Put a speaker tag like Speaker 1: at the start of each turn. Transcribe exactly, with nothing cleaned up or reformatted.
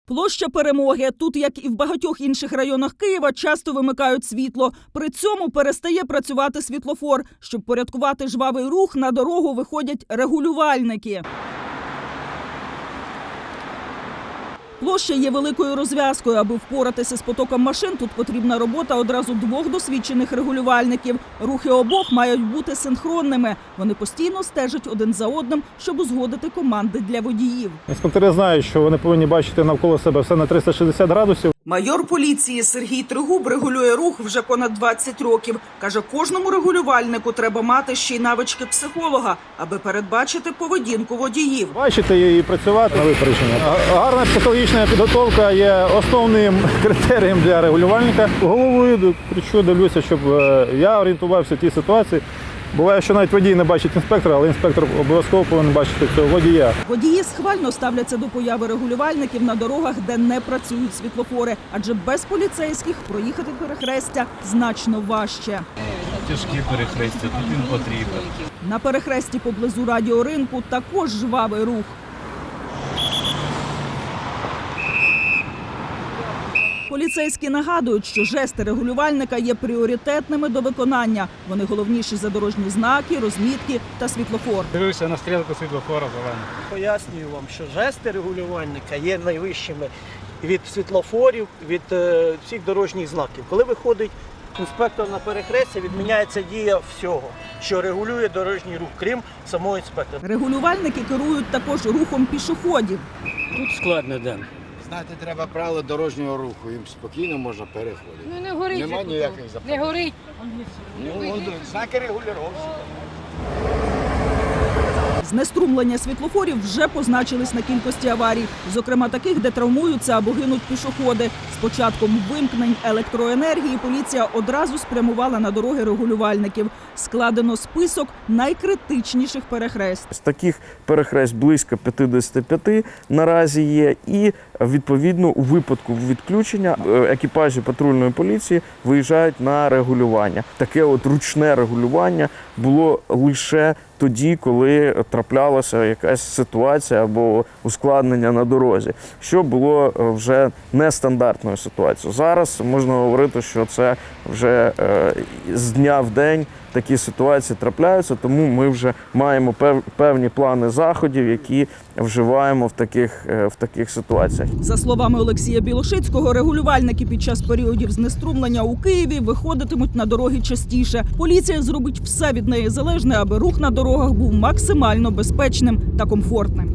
Speaker 1: Площа Перемоги. Тут, як і в багатьох інших районах Києва, часто вимикають світло. При цьому перестає працювати світлофор. Щоб порядкувати жвавий рух, на дорогу виходять регулювальники. Площа є великою розв'язкою. Аби впоратися з потоком машин, тут потрібна робота одразу двох досвідчених регулювальників. Рухи обох мають бути синхронними. Вони постійно стежать один за одним, щоб узгодити команди для водіїв.
Speaker 2: Інспектори знають, що вони повинні бачити навколо себе все на триста шістдесят градусів.
Speaker 1: Майор поліції Сергій Тригуб регулює рух вже понад двадцять років. Каже, кожному регулювальнику треба мати ще й навички психолога, аби передбачити поведінку водіїв.
Speaker 2: Бачити і працювати на випередження. Гарна психологічна підготовка є основним критерієм для регулювальника. Головою кричу, дивлюся, щоб я орієнтувався в тій ситуації. Буває, що навіть водій не бачить інспектора, але інспектор обов'язково повинен бачити цього водія.
Speaker 1: Водії схвально ставляться до появи регулювальників на дорогах, де не працюють світлофори. Адже без поліцейських проїхати перехрестя значно важче.
Speaker 3: Тяжкі перехрестя, тут він потрібен.
Speaker 1: На перехресті поблизу радіоринку також жвавий рух. Поліцейські нагадують, що жести регулювальника є пріоритетними до виконання. Вони головніші за дорожні знаки, розмітки та світлофор.
Speaker 3: Дивився на стрілку світлофора зелений.
Speaker 4: Пояснюю вам, що жести регулювальника є найвищими від світлофорів, від е, всіх дорожніх знаків. Коли виходить інспектор на перехрестя, відміняється дія всього, що регулює дорожній рух, крім самого інспектора.
Speaker 1: Регулювальники керують також рухом пішоходів.
Speaker 5: Тут складно, да.
Speaker 6: Знати треба правила дорожнього руху, їм спокійно можна переходити.
Speaker 5: Ну не горить.
Speaker 6: Нема
Speaker 5: же
Speaker 6: ніяких
Speaker 5: тут.
Speaker 6: запитань.
Speaker 5: Не горить.
Speaker 6: Ну, знаки регулювання.
Speaker 1: Знеструмлення світлофорів вже позначились на кількості аварій. Зокрема, таких, де травмуються або гинуть пішоходи. З початком вимкнень електроенергії поліція одразу спрямувала на дороги регулювальників. Складено список найкритичніших перехресть.
Speaker 7: З таких перехресть близько п'ятдесят п'ять наразі є. І, відповідно, у випадку відключення екіпажі патрульної поліції виїжджають на регулювання. Таке от ручне регулювання було лише тоді, коли траплялася якась ситуація або ускладнення на дорозі, що було вже нестандартною ситуацією. Зараз можна говорити, що це вже з дня в день такі ситуації трапляються, тому ми вже маємо певні плани заходів, які вживаємо в таких, в таких ситуаціях.
Speaker 1: За словами Олексія Білошицького, регулювальники під час періодів знеструмлення у Києві виходитимуть на дороги частіше. Поліція зробить все від неї залежне, аби рух на дорогах був максимально безпечним та комфортним.